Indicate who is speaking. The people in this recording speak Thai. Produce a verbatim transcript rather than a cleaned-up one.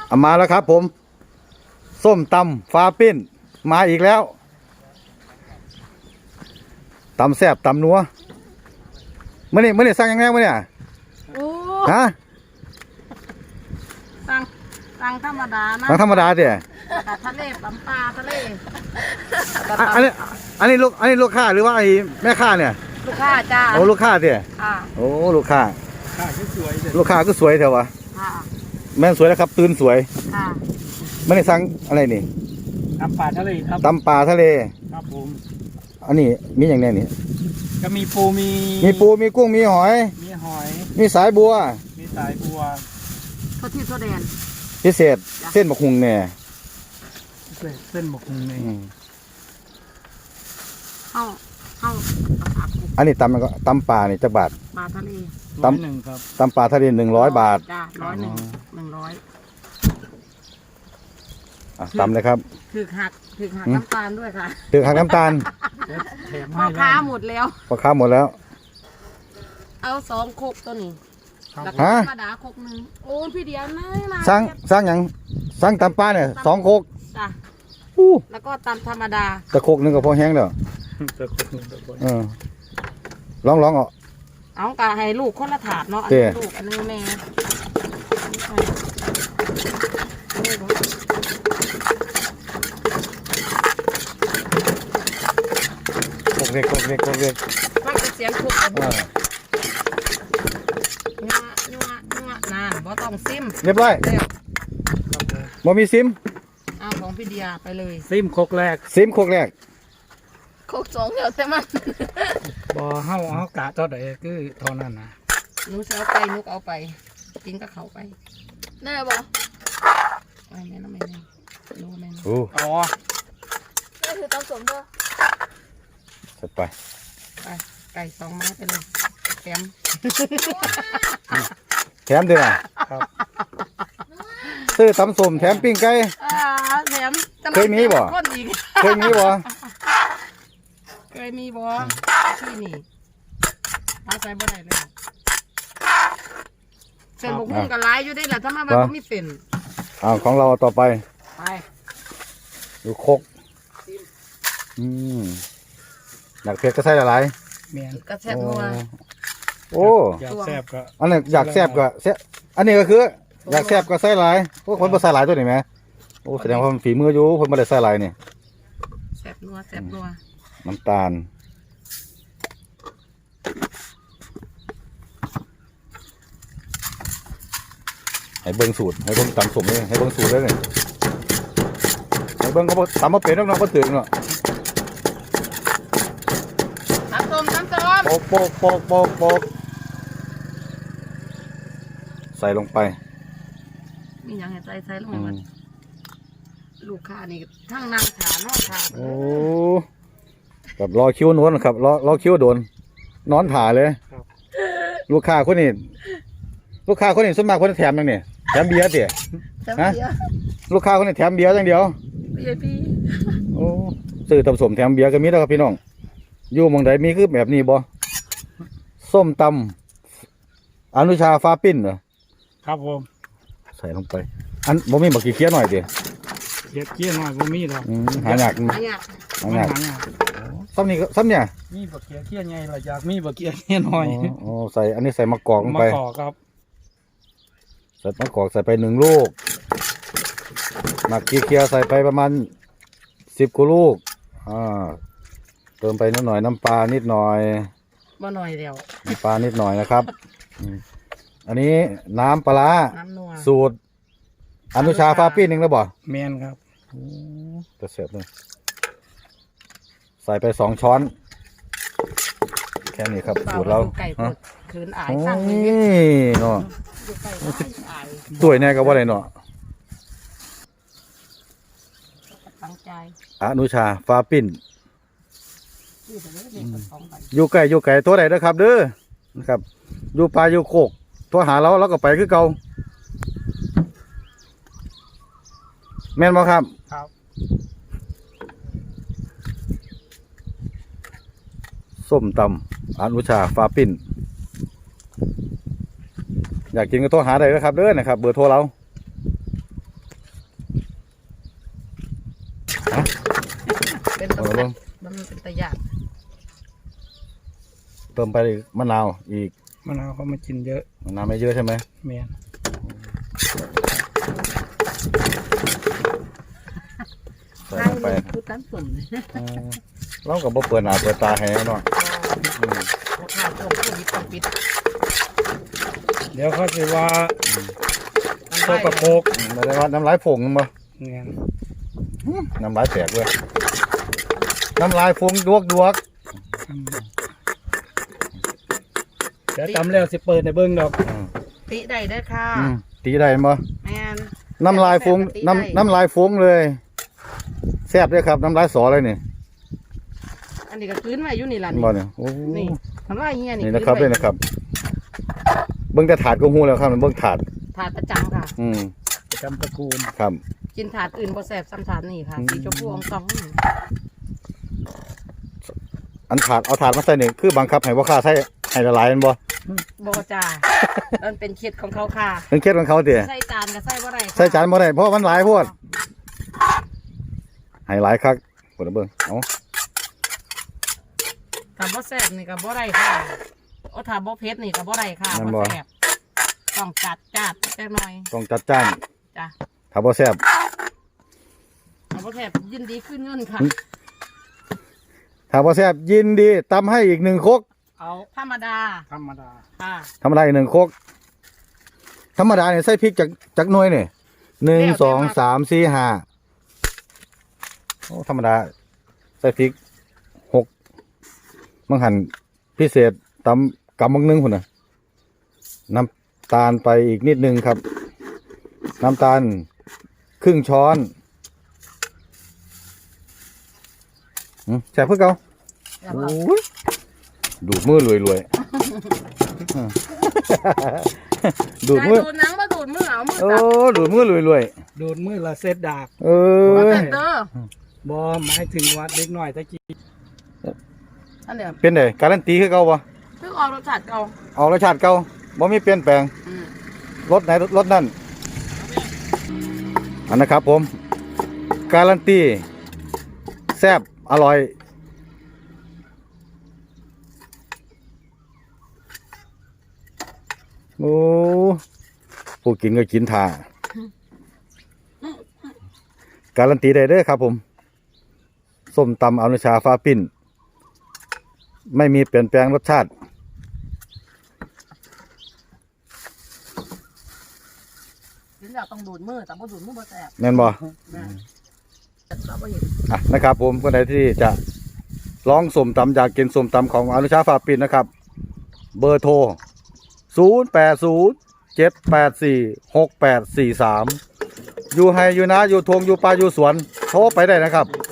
Speaker 1: เอามาแล้วครับผมส้มตำฟ้าปิ้นมาอีกแล้วตำแซ่บตำนัวเมื่อนี่เมื่อนี่สั่งยังไงมื่อนี่
Speaker 2: โอ้
Speaker 1: ฮะ
Speaker 2: สั่งสั่งธรรมดานะ
Speaker 1: สั่งธรรมดาเดี๋ย
Speaker 2: ทะเลตำปลาทะเล
Speaker 1: อันนี้อันนี้ลูกอันนี้ลูกค้าหรือว่าไอ้แม่ค้าเนี่ย
Speaker 2: ลูกค้าจ้า
Speaker 1: โอ้ลูกค้าเดี๋ยโอ้ลูกค้าลูกค้าก็สวยเถอะวะแม่สวยแล้วครับตื่นสวยไม่ได้สั่งอะไรนี่
Speaker 3: ตำปลาทะเลครับ
Speaker 1: ตำปลาทะเล
Speaker 3: ครับผม
Speaker 1: อันนี้มีอย่างแน่นี่
Speaker 3: ก็มีปูมี
Speaker 1: มีปูมีกุ้งมีหอย
Speaker 3: มีหอย
Speaker 1: มีสายบัว
Speaker 3: มีสายบัว
Speaker 2: ทอดที่ทอดแดน
Speaker 1: พิเศษเส้นบะคุงแน่
Speaker 3: เส้นบะคุงเนี่ย
Speaker 2: เข้าเข้า
Speaker 1: อันนี้ตำมันก็ตำปลานี่จักบาท
Speaker 2: ปลาทะเล
Speaker 1: ตำหนึ่งครับตำปลาทะเลหนึ่งร้อยบาท
Speaker 2: จ้าร้อยหนึ่งหนึ่งร้อย
Speaker 1: ตำเลยครับ
Speaker 2: ถือหักถือหักน้ำตาลด้วยค่ะ
Speaker 1: ถือหักน้ำตาล
Speaker 2: พ่อค้าหมดแล้ว
Speaker 1: พ่อค้าหมดแล้ว
Speaker 2: เอาสองโคกตัวนี้
Speaker 1: ฮะ
Speaker 2: ธรรมดาโคกหนึ่งโอ้พี่เดียวนะ
Speaker 1: สร้างสร้างอย่างสร้างตำปลาเนี่ยสองโคก
Speaker 2: จ้ะแล้วก็ตำธรรมดา
Speaker 1: ตะโคกนึงก็พอแห้งแล้วเออลองลองเอา
Speaker 2: เอากะให้ลูกคนละถาดเนาะอันนี้ลูกอันนี้แม่
Speaker 1: โคกเล็กโคกเล็กโคกเล็ก
Speaker 2: ฟังเสียงคุกนัวนัวนัวนานบ่ต้องซิม
Speaker 1: เรียบร้อยบ่มีซิม
Speaker 2: เอาของพี่เดียไปเลย
Speaker 3: ซิมโคกแรก
Speaker 1: ซิมโคกแรก
Speaker 2: โคกสองเดียวแต่มัน
Speaker 3: บ่เฮาเฮากะเท่าใดคือเท่านั้นนะ
Speaker 2: หนูเอาไปนุกเอาไปกินก็เขาไปแน่บ่ไม่แน่นะไม่แน่รู้แน่
Speaker 1: โอ้
Speaker 3: อ๋อ
Speaker 2: นี่คือตำสมด้วย
Speaker 1: จัดไป
Speaker 2: ไปไก่สองไม้ไปเลยแถม
Speaker 1: แถมด้วยนะครับซื้อตำส้มแถมปิ้งไก่
Speaker 2: แถม
Speaker 1: เคยมีบ่เคยมีบ่
Speaker 2: เคยมีบ่ที่นี่เอาใส่บ่ได้เลยเส้นบุกหุ้งกับลายอยู่ได้แหละถ้ามาแบบก็มีเส้น
Speaker 1: อ้าวของเราต่อไป
Speaker 2: ไป
Speaker 1: ดูคกอืมอยากเผ็ดก็ใส่อะไร
Speaker 3: เมียน
Speaker 2: กระแซ่บนัว
Speaker 1: โอ้
Speaker 3: อยากแซ่บก็
Speaker 1: อันนี้อยากแซ่บก็แซ่บอันนี้ก็คืออยากแซ่บก็ใส่หลายพวกคนบ่ใส่หลายตัวนี่ไหมโอ้แสดงว่าฝีมืออยู่คนบ่ได้ใส่หลายนี่
Speaker 2: แซ่บนัวแซ่บนัว
Speaker 1: น้ำตาลให้เบิ้งสูตรให้เบิ้งตำสมเลยให้เบิ้งสูตรเลยให้เบิ้งเขาตำมาเป็นน้องๆก็ถึงเนาะ
Speaker 2: ตำส้มตำส้ม
Speaker 1: โปกโปกโปกโปกโปกใส่ลงไป
Speaker 2: มีอย่างไรใส่ใส่ลงไปลูกค้านี่ทั้งนางขานอนขา
Speaker 1: โอ้กับรอคิ้วนวลครับรอรอคิ้วโดนนอนถ่าเลยลูกค้าคนนี้ลูกค้าคนนี้ส่วนมากคนแถมยังเนี่ยแถมเบียร์เตี๋ยฮะลูกค้าคนนี้แถมเบียร์อย่างเดียว
Speaker 2: เบียร์พี่
Speaker 1: โอ้ซื้อตำส้มแถมเบียร์ก็มีแล้วครับพี่น้องอยู่เมืองใดมีคือแบบนี้บ่ส้มตำอนุชาฟ้าปิ้นเหรอ
Speaker 3: ครับผม
Speaker 1: ใส่ลงไปอันบ่มีบักกี้เคี้ยหน่อยดิ
Speaker 3: เคี้ยเคี้ยหน่อยบ่มีหรอก
Speaker 1: หายาก
Speaker 2: หายาก
Speaker 1: หายากซ้ำนี่ซ้ำเนี่ย
Speaker 3: มีบักเคี้ยเคี้ยไงล่ะอยากมีบักเคี้ยเคี้ยหน่อย
Speaker 1: โอ้ใส่อันนี้ใส่มะกอกลงไป
Speaker 3: มะกอกครับ
Speaker 1: ใส่มะกอกใส่ไปหนึ่งลูกหมักกี้เคี้ยใส่ไปประมาณสิบกว่าลูกอ่าเติมไปนิดหน่อยน้ำปลานิดหน่อย
Speaker 2: บ่หน่อยเดียว
Speaker 1: น้ำปลานิดหน่อยนะครับอันนี้น้ำปลาสูตรอนุชาฟ้าปิ้นหนึ่งแล้วบ่
Speaker 3: เมนครับ
Speaker 1: จะเสียบเลยใส่ไปสองช้อนแค่นี้ครับสูตรเรา
Speaker 2: คืนอายข้างนี้
Speaker 1: เนาะตัวยแน่ก็ว่าอะไรเนาะ
Speaker 2: ตั้งใจ
Speaker 1: อนุชาฟ้าปิ้นอยู่ไก่อยู่ไก่ตัวไหนนะครับเด้อนะครับอยู่ปลาอยู่โคกตัวหาเราเราก็ไปคือเก่าแม่นบ่ครับ
Speaker 3: ครับ
Speaker 1: ส้มตำอนุชาฟ้าปิ้นอยากกินก็โทรหาได้นะครับเด้อนะครับเบอร์โทรเราฮะ
Speaker 2: เป็นตะ
Speaker 1: เอาละ
Speaker 2: แซ่
Speaker 1: เบิ่
Speaker 2: บ
Speaker 1: ง
Speaker 2: มันเป็นตะหยาด
Speaker 1: เติมไปมะนาวอีก
Speaker 3: มะนาวเขามากินเยอะ
Speaker 1: มะนาวไม่เยอะใช่ไหม
Speaker 3: แม่น
Speaker 1: ใส่
Speaker 2: ทาง
Speaker 1: ลงไป
Speaker 2: นี้คือตั้งสุ่ม
Speaker 1: อืมเราก็บ่เปิดหน้าเปิดตาให้เนาะอืม
Speaker 2: ราคาตรงผู้ดิบต้องปิด
Speaker 3: เดี๋ยวเขาจะว่า
Speaker 2: มัน
Speaker 3: โตกระโปก
Speaker 1: ไม่ได้ว่าน้ำลายผงบ่
Speaker 3: แม่น
Speaker 1: น้ำลายแตกเว้ยน้ำลายฟงดวกดวก
Speaker 3: อืมเดี๋ยวจำแล้วสิเปิดในเบิ้งดอก
Speaker 1: อืม
Speaker 2: ติได้ได้อค่ะ
Speaker 1: อืมตีได้บ่
Speaker 2: แม่น
Speaker 1: น้ำลายฟง
Speaker 2: ติได้
Speaker 1: น้ำน้ำลายฟงเลยแซ่บด้วยครับน้ำลายสอเลยนี่
Speaker 2: อันนี้ก็คืนไว้อยู่นี่ล่ะ
Speaker 1: บ่
Speaker 2: นี่
Speaker 1: เนี่ยโอ้
Speaker 2: นี่มันว่าเฮียนี่
Speaker 1: นี่นะครับ
Speaker 2: คื
Speaker 1: นี่
Speaker 2: ไว้
Speaker 1: นะครับ เบิ่งแต่ถาดก็ฮู้แล้วครับมันเบิ่งถาด
Speaker 2: ถาดประจำค่ะ
Speaker 1: อืม
Speaker 3: ประจำตระกูล
Speaker 1: ครับ
Speaker 2: กินถาดอื่นบ่แซ่บซ้ำถาดนี่ค่ะ
Speaker 1: อืม
Speaker 2: สีชมพูอองตองนี่
Speaker 1: อันถาดเอาถาดมาใส่นี่คือบังคับให้บ่ค้าใส่ให้ละลายแม่นบ่
Speaker 2: บ่จ้ามันเป็นเคล็ดของเขาค่ะ
Speaker 1: เป็นเคล็ดของเขาติ
Speaker 2: ใส่จานก็ใส่บ่ได้ค่ะ
Speaker 1: ใส่จานบ่ได้เพราะมันหลายโพดให้หลายคักกดเบิ่งเอา
Speaker 2: ถ้าบ่แซ่บนี่ก็บ่ได้ค่ะโอ้ถ้าบ่เผ็ดนี่ก็บ่ได้ค่ะ
Speaker 1: นั่น
Speaker 2: บ่
Speaker 1: บ่
Speaker 2: แซ่บต้องจัดจัดจักหน่อย
Speaker 1: ต้องจัดจ้าน
Speaker 2: จ้ะ
Speaker 1: ถ้าบ่แซ่บ
Speaker 2: ถ้าบ่แซ่บยินดีขึ้นเงินค่ะ
Speaker 1: ถ้าบ่แซ่บยินดีตำให้อีกหนึ่งครก
Speaker 2: เอาธรรมดา
Speaker 3: ธรรมดา
Speaker 2: ค่ะ
Speaker 1: ธรรมดาอีกหนึ่งครกธรรมดาเนี่ยใส่พริกจากจากหน่วยนี่หนึ่งสองสามสี่ห้าโอ้ธรรมดาใส่พริกหกมังหันพิเศษตำกำมังนึงคนน่ะน้ำตาลไปอีกนิดนึงครับ น้ำตาลครึ่งช้อนอืมแซ่บเพื่อเก่า
Speaker 2: แล้ว
Speaker 1: โอ
Speaker 2: ก็
Speaker 1: ้ยดูดมือรวยรวยดูด
Speaker 2: ใจ
Speaker 1: มือ
Speaker 2: ดูดหนังมาดูดมือเอามือ
Speaker 1: โอ้
Speaker 2: จับ
Speaker 1: ดูดมือรวยรวย
Speaker 3: โดนมือละเซตดาก
Speaker 1: เอ
Speaker 2: บ่
Speaker 1: อ
Speaker 2: แซ่บเด้อบ
Speaker 3: อหมายถึงว่าเล็กน้อยตะกี้
Speaker 2: อันเดียว
Speaker 1: เป็นไงการันตีคือเก่าปะ
Speaker 2: คือออกรสชาติเก่า
Speaker 1: เอารสชาติเก่าบ่มีเปลี่ยนแปลง
Speaker 2: อืม
Speaker 1: รสไหนรสนั่นอันนะครับผม การันตีแซ่บอร่อยโอ้ผู้กินก็กินท่าการันตีได้เด้อครับผมส้มตำอนุชาฟ้าปิ้น ไม่มีเปลี่ยนแปลงรสชาติ
Speaker 2: ถึงอยากต้องดูดมือแต่บ่ดูดมือบ่แซ่บ
Speaker 1: แม่นบ่
Speaker 2: นะเราบ่เห็น
Speaker 1: อ่ะนะครับผมคนใดที่จะลองส้มตำอยากกินส้มตำของอนุชาฟ้าปิ้นนะครับ เบอร์โทร ศูนย์ แปด ศูนย์ เจ็ด แปด สี่ หก แปด สี่ สาม อยู่ไฮอยู่นะอยู่ทงอยู่ป่าอยู่สวนโทรไปได้นะครับ